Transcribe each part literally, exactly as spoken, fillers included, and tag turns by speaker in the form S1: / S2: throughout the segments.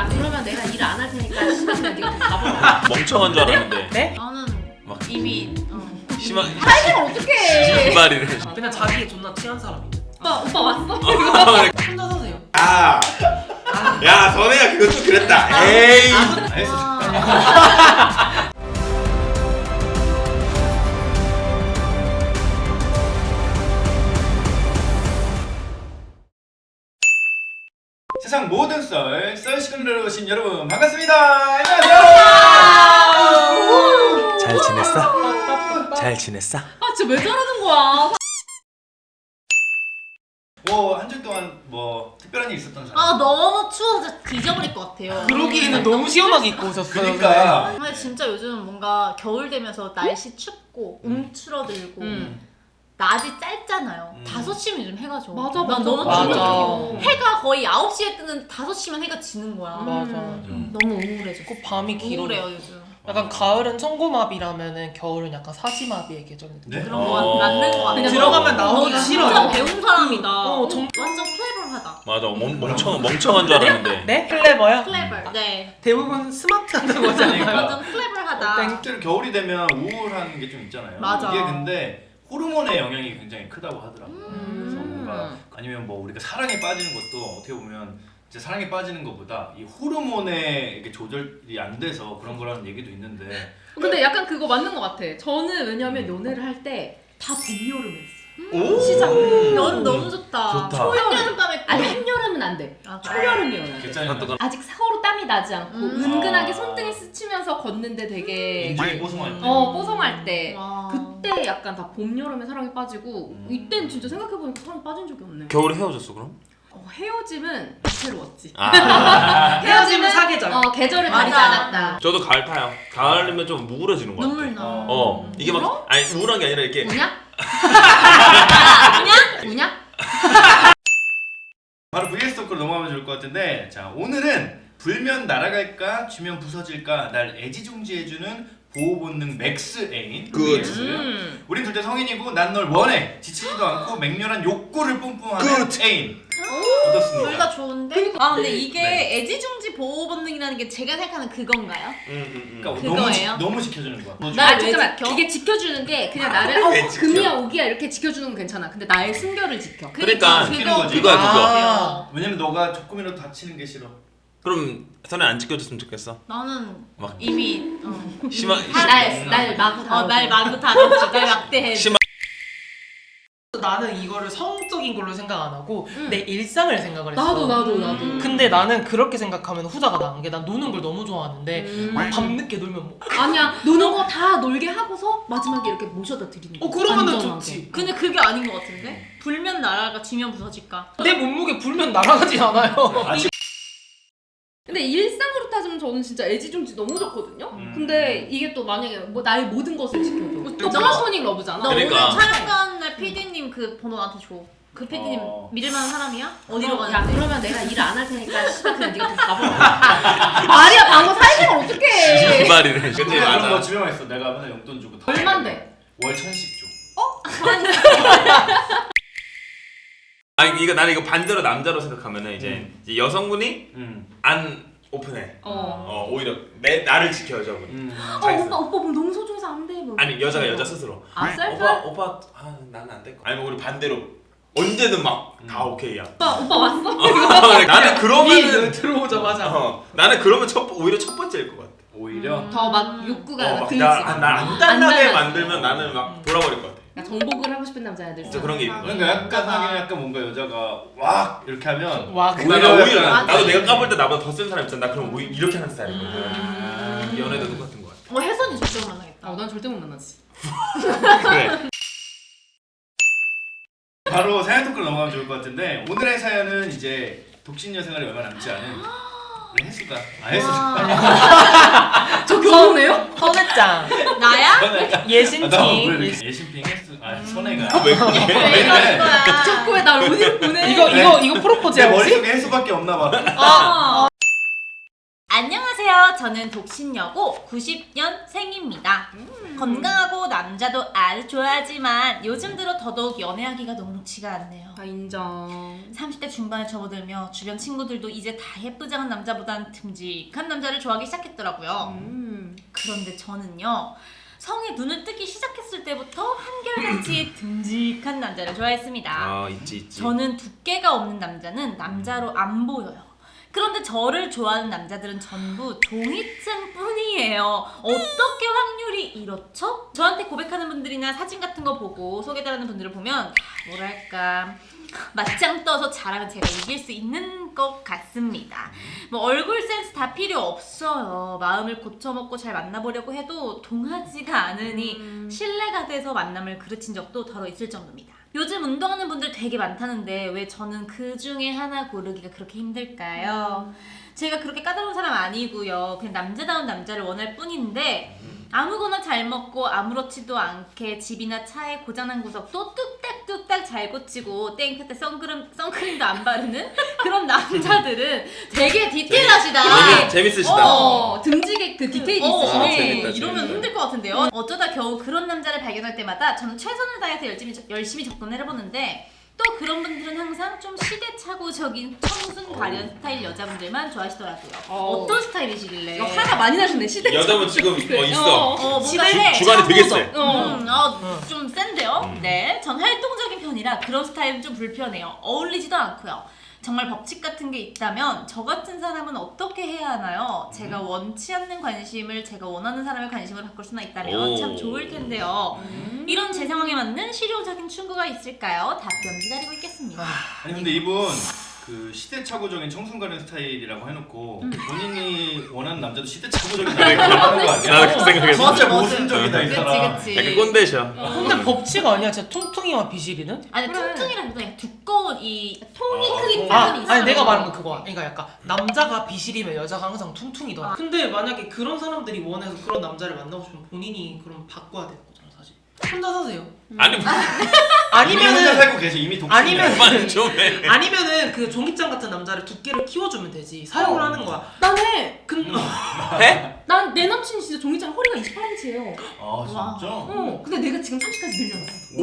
S1: 야 그러면 내가 일 안 할 테니까 시간 그냥 네가 가봐.
S2: 멍청한 줄 알았는데.
S3: 네?
S1: 나는
S2: 막
S1: 이미 어.
S2: 심한
S1: 타이밍을 어떡해.
S2: 신발이를.
S3: 그냥 자기에 존나 취한 사람이.
S1: 오빠 오빠 왔어?
S3: 혼자 사세요.
S2: 아, 야 선혜야 그거 좀 그랬다. 에이.
S4: 알겠어.
S1: 와.
S4: 세상 모든 썰, 썰 시간으로 오신 여러분 반갑습니다. 안녕하세요.
S2: 잘 지냈어? 잘 지냈어?
S1: 아 진짜 왜 저러는 거야?
S4: 뭐 한 주 동안 뭐 특별한 일 있었던 사람?
S1: 아 너무 추워서 뒤져버릴 것 같아요.
S3: 그러기에는 너무 시원하게 입고 오셨어요.
S4: 그러니까
S1: 근데 진짜 요즘 뭔가 겨울 되면서 날씨 춥고 움츠러들고
S3: 음.
S1: 낮이 짧잖아요.
S4: 음.
S1: 다섯 시면 요즘 해가 져.
S5: 맞아,
S1: 난
S5: 맞아.
S1: 너무
S3: 맞아.
S1: 추워. 해가 거의 아홉 시에 뜨는 다섯 시면 해가 지는 거야.
S3: 맞아.
S4: 음.
S1: 너무 우울해져.
S3: 그 밤이 길어.
S1: 우울해요 요즘.
S3: 약간 가을은 청고마비라면은 겨울은 약간 사지마비의 계절인데.
S4: 네?
S1: 그런 거 같- 맞는 거 같아.
S3: 그냥 들어가면 나오기가
S1: 너
S3: 싫어요.
S1: 진짜 배운 사람이다.
S3: 어, 정-
S1: 완전 클레버하다.
S2: 맞아 멍, 멍청 멍청한 줄 알았는데.
S3: 네? 클레버요?
S1: 클레버. 네.
S3: 대부분 스마트하다고 하잖아요.
S1: 완전 클레버하다.
S4: 실제로 겨울이 되면 우울한 게 좀 있잖아요.
S1: 맞아.
S4: 이게 근데 호르몬의 영향이 굉장히 크다고 하더라고요.
S1: 음.
S4: 그래서 뭔가 아니면 뭐 우리가 사랑에 빠지는 것도 어떻게 보면 이제 사랑에 빠지는 것보다 이 호르몬의 이게 조절이 안 돼서 그런 거라는 얘기도 있는데.
S5: 근데 약간 그거 맞는 것 같아. 저는 왜냐면 연애를 할 때 다 봄, 여름에 했어.
S4: 오!
S5: 시작.
S1: 여름 너무 좋다.
S2: 좋다.
S1: 초여름 밤에
S5: 아니 한여름은 안 돼.
S1: 아,
S5: 초여름이어야 돼.
S4: 괜찮아요.
S5: 아직 서로 땀이 나지 않고
S1: 음.
S5: 은근하게
S4: 아.
S5: 손등에 스치면서 걷는데 되게
S4: 인중이 뽀송할 때.
S5: 어 뽀송할 때
S1: 와.
S5: 그때 약간 다 봄, 여름에 사랑에 빠지고
S4: 음.
S5: 이때는 진짜 생각해보니까 사랑에 빠진 적이 없네.
S2: 겨울에 헤어졌어 그럼?
S5: 어, 헤어짐은 다채로웠지.
S2: 아.
S3: 헤어지면 사계절.
S5: 어 계절을
S1: 맞아.
S5: 가리지 않았다.
S2: 저도 가을 타요. 가을이면 좀 우울해지는 것 같아.
S1: 눈물 나.
S2: 어 이게 막 아니 우울한 게 아니라 이렇게
S5: 우냐? 우냐? 우냐?
S4: 바로 브이에스 토크로 넘어가면 좋을 것 같은데, 자 오늘은 불면 날아갈까 쥐면 부서질까 날 애지중지해주는 보호 본능 맥스 애인
S2: 굿.
S4: 브이에스.
S5: 음.
S4: 우린 둘 다 성인이고 난 널 원해 지치지도 않고 맹렬한 욕구를 뿜뿜하는 애인.
S1: 둘 다
S4: 어떻습니까?
S1: 좋은데? 아 근데 이게
S4: 네.
S1: 애지중지 보호 본능이라는 게 제가 생각하는 그건가요?
S2: 음, 음, 음.
S4: 그러니까 너무, 지,
S1: 그거예요?
S4: 너무 지켜주는 거야.
S1: 나-
S5: 아
S1: 왜
S5: 잠깐만
S1: 지켜?
S5: 이게 지켜주는 게 그냥 나를 어
S2: 왜 지켜?
S5: 금이야 오기야 이렇게 지켜주는 건 괜찮아. 근데 나의 순결을 지켜.
S2: 그러니까
S4: 지키는 거지.
S2: 그거야, 그거.
S3: 아.
S4: 왜냐면 너가 조금이라도 다치는 게 싫어.
S2: 그럼 선혜 안 지켜줬으면 좋겠어.
S1: 나는
S2: 막
S1: 이미 어.
S2: 심한
S5: 날, 날 마구
S1: 어,
S5: 다뤄줘.
S1: 날 마구 다뤘지. 날 막대해.
S2: 심한
S3: 나는 이거를 성적인 걸로 생각 안 하고
S5: 음.
S3: 내 일상을 생각을 했어.
S5: 나도 나도 나도.
S1: 음.
S3: 근데 나는 그렇게 생각하면 후자가 나은 게 난 노는 걸 너무 좋아하는데
S5: 음.
S3: 밤늦게 놀면 뭐
S5: 아니야 노는 거 다 놀게 하고서 마지막에 이렇게 모셔다 드리는 거.
S3: 어 그러면은
S5: 안전하게.
S3: 좋지.
S1: 근데 그게 아닌 것 같은데? 불면 날아가 쥐면 부서질까?
S3: 내 몸무게 불면 날아가지 않아요.
S4: 아직
S5: 근데 일상으로 따지면 저는 진짜 애지중지 너무 좋거든요.
S4: 음.
S5: 근데 이게 또 만약에 뭐 나의 모든 것을 지켜줘. 또
S1: 너-
S5: 플라토닉 러브잖아.
S1: 너
S2: 그러니까.
S1: 오늘 촬영 가는 날 피디님 그 번호 나한테 줘. 그 피디님
S4: 어.
S1: 믿을만한 사람이야? 어디로
S5: 야
S1: 가는데?
S5: 그러면 내가 일 안 할 테니까 시간 그냥 네가 가봐. 말이야 방금 사회생활 어떡해.
S2: 신발이를. 근데
S4: 근데 그런 거
S2: 맞아.
S4: 집에만 있어. 내가 맨날 용돈 주고 다
S5: 얼만데?
S4: 월 천씩 줘.
S2: 아니 이거 나는 이거 반대로 남자로 생각하면은 이제,
S4: 음.
S2: 이제 여성분이
S4: 응.
S2: 안 오픈해.
S5: 어.
S2: 어 오히려 내 나를 지켜 여자분이.
S4: 응.
S5: 어
S2: 자기
S5: 오빠 오빠 뭐 너무 소중해서 안 돼. 뭐.
S2: 아니 여자가 여자 스스로.
S5: 아
S2: 오빠
S5: 셀프?
S2: 오빠 아 나는 안 될 거. 아니 뭐 우리 반대로 언제든 막 다
S4: 음.
S2: 오케이야.
S5: 오빠 오빠 왔어?
S2: 나는 그러면은
S3: 들어오자마자
S2: 어 나는 그러면 첫 오히려 첫 번째일 것 같아.
S4: 오히려
S5: 더 막 욕구가 막 들지.
S2: 어막나안 단단하게
S5: 단단하지.
S2: 만들면 나는 막 돌아버릴 것 같아.
S5: 그러니까 정복을 하고 싶은 남자애들.
S2: 진짜 그런 게 있는 거야.
S4: 그러니까 약간 하긴 약간 뭔가 여자가 왁 이렇게 하면
S3: 와
S2: 나
S4: 오히려
S2: 오히려 나,
S4: 약간-
S2: 나도 내가 까볼 때 나보다 더 센 사람 있잖아. 나 그럼 오히려 이렇게 하는 스타일이거든.
S4: 음.
S2: 연애도 똑같은 것 같아.
S1: 어 혜선이 절대 만나겠다.
S5: 어난 절대 못 만나지.
S2: 그래.
S4: 바로 사연 토크로 넘어가면 좋을 것 같은데, 오늘의 사연은 이제 독신녀 생활이 얼마 남지 않은 우리 혜수가 아 혜수가
S5: 저 결혼해요?
S3: 선혜짱
S1: 나야?
S4: 선혜가 아, 나
S3: 예신팅
S4: 왜 이렇게 예신핑 혜수 아 선혜가
S2: 왜
S4: 왜
S2: 그래?
S4: 이래?
S1: 거야?
S5: 자꾸 왜 날 어디로 보내?
S3: 이거 이거 이거 프로포즈야
S4: 내
S3: 혹시?
S4: 머릿속에 혜수밖에 없나 봐.
S1: 어. 안녕하세요. 안녕하세요. 저는 독신여고 구십 년생입니다. 음. 건강하고 남자도 아주 좋아하지만 요즘 들어 더더욱 연애하기가 녹록지가 않네요.
S5: 아 인정.
S1: 삼십 대 중반에 접어들며 주변 친구들도 이제 다 예쁘장한 남자보단 듬직한 남자를 좋아하기 시작했더라고요.
S5: 음.
S1: 그런데 저는요. 성에 눈을 뜨기 시작했을 때부터 한결같이 듬직한 남자를 좋아했습니다.
S2: 아 있지 있지.
S1: 저는 두께가 없는 남자는 남자로 안 보여요. 그런데 저를 좋아하는 남자들은 전부 종이쯤뿐이에요. 어떻게 확률이 이렇죠? 저한테 고백하는 분들이나 사진 같은 거 보고 소개달라는 분들을 보면 뭐랄까 맞짱 떠서 잘하면 제가 이길 수 있는 것 같습니다. 뭐 얼굴 센스 다 필요 없어요. 마음을 고쳐먹고 잘 만나보려고 해도 통하지가 않으니
S5: 음.
S1: 신뢰가 돼서 만남을 그르친 적도 더러 있을 정도입니다. 요즘 운동하는 분들 되게 많다는데 왜 저는 그 중에 하나 고르기가 그렇게 힘들까요? 제가 그렇게 까다로운 사람 아니고요. 그냥 남자다운 남자를 원할 뿐인데 아무거나 잘 먹고 아무렇지도 않게 집이나 차에 고장난 구석도 뚝딱뚝딱 잘 고치고 땡볕 때 선크림, 선크림도 안 바르는 그런 남자들은 되게 디테일하시다.
S2: 재밌, 재밌으시다.
S5: 어, 듬직의 그 디테일이
S1: 어,
S5: 있으시네.
S2: 아, 재밌다,
S1: 이러면
S2: 재밌다.
S1: 힘들 것 같은데요. 어쩌다 겨우 그런 남자를 발견할 때마다 저는 최선을 다해서 열심히, 열심히 접근을 해보는데 또 그런 분들은 항상 좀 시대착오적인 청순 가련 스타일 여자분들만 좋아하시더라고요.
S5: 어.
S1: 어떤 스타일이시길래?
S5: 이거 화가 많이 나셨네 시대.
S2: 여자분 지금 어 있어.
S1: 어, 뭔가
S5: 시대
S1: 해.
S2: 주관이 되게 세.
S1: 음, 어, 좀 센데요?
S2: 음.
S1: 네. 전 활동적인 편이라 그런 스타일은 좀 불편해요. 어울리지도 않고요. 정말 법칙 같은 게 있다면 저 같은 사람은 어떻게 해야 하나요? 제가 원치 않는 관심을 제가 원하는 사람의 관심으로 바꿀 수나 있다면
S2: 오.
S1: 참 좋을 텐데요.
S5: 음.
S1: 이런 제 상황에 맞는 실용적인 충고가 있을까요? 답변 기다리고 있겠습니다.
S4: 아니 근데 이분 그 시대착오적인 청순가련 스타일이라고 해놓고 본인이 원하는 남자도 시대착오적인 남자를 원하는 거 아니야?
S2: 나도 그 생각했어.
S1: 맞아,
S4: 진짜
S1: 맞아.
S4: 모순적이다 이
S1: 그치
S4: 사람.
S1: 그치.
S2: 약간 꼰대셔.
S3: 근데 법칙 아니야? 진짜 퉁퉁이와 비실이는?
S1: 아니
S5: 그래.
S1: 퉁퉁이라기보다 그냥 두꺼운 이
S5: 통이
S2: 어,
S5: 크기
S3: 아,
S5: 때문에 있어.
S3: 아니 내가 말한 건 그거야. 그러니까 약간 남자가 비실이면 여자가 항상 퉁퉁이더라. 근데 만약에 그런 사람들이 원해서 그런 남자를 만나고 싶으면 본인이 그럼 바꿔야 되는 거잖아 사실. 혼자 사세요.
S2: 아니 뭐
S4: 이미 혼자
S3: 아니면은
S4: 살고 계셔 이미 독신이야.
S3: 아니면
S2: 그만 좀 해.
S3: 아니면은 그 종이장 같은 남자를 두께를 키워주면 되지. 사용을
S5: 어.
S3: 하는 거야.
S5: 난 해.
S3: 근
S2: 해?
S5: 난 내 남친이 진짜 종이장 허리가 이십팔 인치예요.
S4: 아 진짜?
S5: 어. 근데 내가 지금 삼십까지 늘려놨어.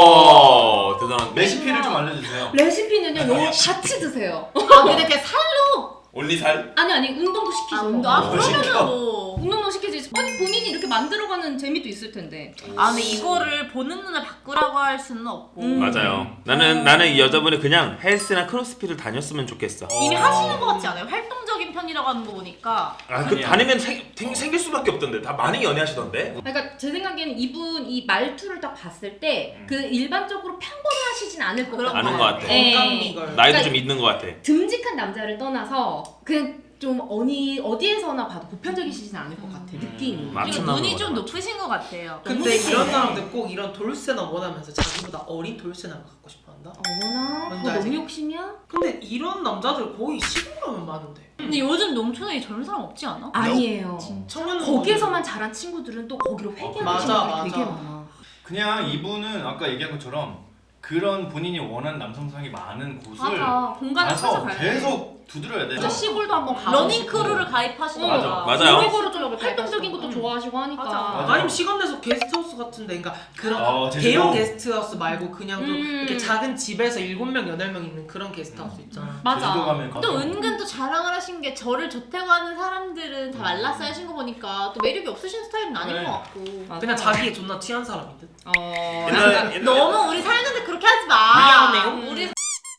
S2: 우와 대단한데.
S4: 레시피를 좀 알려주세요.
S5: 레시피는요, 요거 같이 드세요.
S1: 아 근데 그냥 살로
S2: 올리살?
S5: 아니 아니 운동도 시키죠.
S1: 아, 운동, 아
S2: 어,
S1: 그러면은 뭐.
S5: 운동도 시키지. 아니 본인이 이렇게 만들어가는 재미도 있을 텐데.
S1: 아 근데 이거를 보는 눈을 바꾸라고 할 수는 없고
S5: 음.
S2: 맞아요. 나는 나는 이 여자분이 그냥 헬스나 크로스핏을 다녔으면 좋겠어.
S1: 이미
S4: 어.
S1: 하시는 것 같지 않아요? 활동적인 편이라고 하는 거 보니까
S2: 아 그
S4: 아니야.
S2: 다니면 생, 생, 생길 수밖에 없던데. 다 많이 연애하시던데.
S5: 그러니까 제 생각에는 이분 이 말투를 딱 봤을 때 그 일반적으로 평범하시진 않을 것
S1: 그런
S5: 같아요.
S2: 아는 것 같아.
S5: 예.
S3: 건강미걸.
S2: 나이도
S5: 그러니까
S2: 좀 있는 것 같아.
S5: 듬직한 남자를 떠나서 그냥 좀 어디 어디에서나 봐도 보편적이시진 않을 것 같아 느낌이.
S2: 맞-
S1: 그리고
S2: 맞춤
S1: 눈이
S2: 나오는
S1: 좀
S2: 거
S1: 높으신 것 같아요.
S3: 근데 이런 사람들 꼭 이런 돌쇠나 원하면서 자기보다 어린 돌쇠나를 갖고 싶어한다.
S5: 어머나
S3: 뭔지
S5: 그거
S3: 알지?
S5: 너무 욕심이야?
S3: 근데 이런 남자들 거의 시골가면 많은데.
S1: 근데 요즘 농촌에 젊은 사람 없지 않아?
S5: 아니에요.
S3: 청년
S5: 거기에서만 자란 친구들은 또 거기로 회귀하는
S3: 맞아,
S5: 친구들이 되게
S3: 맞아.
S5: 많아.
S4: 그냥 이분은 아까 얘기한 것처럼 그런 본인이 원하는 남성상이 많은 곳을
S5: 맞아. 공간을
S4: 가서
S5: 찾아가야 돼.
S4: 계속 두드려야 돼.
S5: 진짜 시골도 한번 가.
S1: 러닝 크루를 가입하시더라.
S4: 맞아,
S2: 맞아요.
S5: 시골로 좀 활동적인 것도
S1: 음.
S5: 좋아하시고 하니까.
S1: 맞아.
S4: 맞아.
S3: 아니면 시간 내서 게스트하우스 같은데, 그러니까 그런
S4: 어, 제주도.
S3: 대형 게스트하우스 말고 그냥 좀
S5: 음.
S3: 이렇게 작은 집에서 일곱 명 여덟 명 있는 그런 게스트하우스 있잖아.
S5: 맞아.
S4: 제주도 가면 가서
S1: 또 은근 또 자랑을 하신 게 저를 좋다고 하는 사람들은 다 말랐어요 하신 거 보니까 또 매력이 없으신 스타일은 아닌
S4: 네.
S1: 것 같고
S5: 맞아.
S3: 그냥 자기에 존나 취한 사람인 듯.
S5: 어.
S2: 옛날 옛날
S1: 너무 우리 살는데 그렇게 하지 마.
S3: 미안해요.
S1: 우리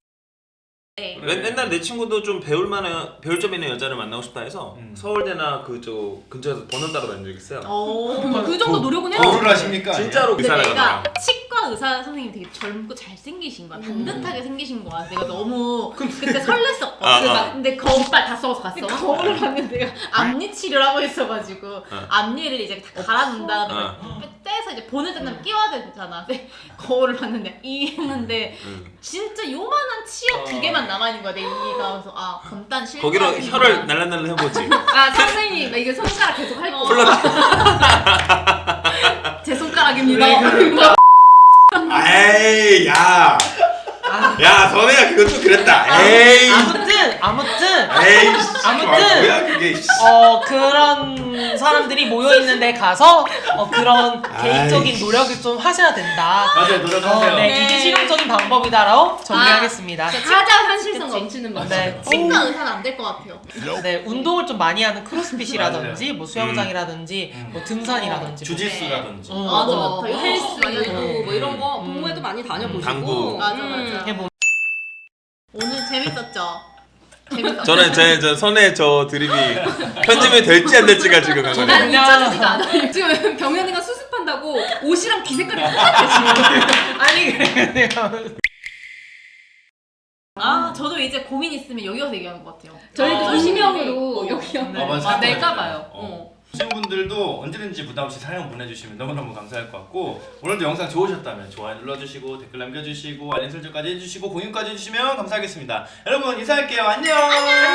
S1: 네.
S2: 옛- 옛날 내 친구도 좀 배울 만한 배울 점 있는 여자를 만나고 싶다 해서
S4: 음.
S2: 서울대나 그쪽 근처에서 번원 따러 다닌 적 있어요.
S1: 오.
S5: 그 정도 노력은 해요.
S4: 거를 하십니까?
S2: 진짜로
S1: 근데
S2: 의사를
S1: 내가
S2: 가다가.
S1: 치과 의사 선생님이 되게 젊고 잘생기신 거야.
S5: 음.
S1: 반듯하게 생기신 거야. 내가 너무 그때 설렜었거든.
S2: 아,
S1: 근데
S2: 아.
S1: 막- 근데 거울
S5: 오빠 다 써서 갔어.
S1: 근데 거울을 봤는데 내가 앞니 치료를 하고 있어가지고
S2: 어.
S1: 앞니를 이제 다 갈아놓은 다음에
S2: 어.
S1: 떼서 이제 보낼 때는 끼워야 되잖아. 근데 거울을 봤는데 이 했는데
S2: 응.
S1: 진짜 요만한 치약 두 개만 남아있는 거야 내 이가. 그래서 아 건단 실패.
S2: 거기로 혀를 날란날란 해보지.
S5: 아 선생님 나 이게 손가락 계속 할 거.
S2: 플러팅.
S5: 제 손가락입니다.
S2: 에이 야. 야 선혜야 그건 좀 그랬다. 에이.
S3: 아무튼 아무튼
S2: 에이.
S3: 아무튼
S2: 뭐야 그게. 씨.
S3: 어 그런 사람들이 모여 있는 데 가서 어 그런 개인적인
S2: 아이씨.
S3: 노력을 좀 하셔야 된다.
S4: 맞아요,
S3: 어,
S4: 노력하세요.
S3: 네,
S1: 네.
S3: 이게 실용적인 방법이다라고 정리하겠습니다.
S5: 가장 현실성
S1: 그치.
S5: 넘치는 방법.
S3: 네.
S1: 치과 의사는 안 될 것 같아요.
S3: 네, 운동을 좀 많이 하는 크로스핏이라든지 뭐 수영장이라든지
S4: 음.
S3: 뭐 등산이라든지 뭐
S4: 주짓수라든지.
S3: 어,
S1: 맞아.
S5: 뭐
S1: 맞아.
S5: 헬스,
S1: 헬스.
S5: 뭐 이런 거
S3: 음.
S5: 동호회도 많이 다녀보시고.
S2: 당구.
S1: 맞아, 맞아.
S3: 해보.
S1: 오늘 재밌었죠? 재밌었죠?
S2: 저는 제 저 선혜 저 드립이 편집이 될지 안 될지가 지금
S5: 난
S2: 관건이에요.
S5: 잊혀지지가 않아요. 지금 경연이가 수습한다고 옷이랑 비 색깔이 똑같아 지금.
S3: 아니 그래
S1: 아, 저도 이제 고민 있으면 여기 와서 얘기하는 것 같아요.
S5: 저희도
S4: 아.
S5: 익명으로
S1: 어.
S5: 여기
S4: 아, 맞아.
S1: 아, 낼까 봐요.
S4: 어. 보신 분들도 언제든지 부담 없이 사연 보내주시면 너무너무 감사할 것 같고 오늘도 영상 좋으셨다면 좋아요 눌러주시고 댓글 남겨주시고 알림 설정까지 해주시고 공유까지 해주시면 감사하겠습니다. 여러분 인사할게요. 안녕.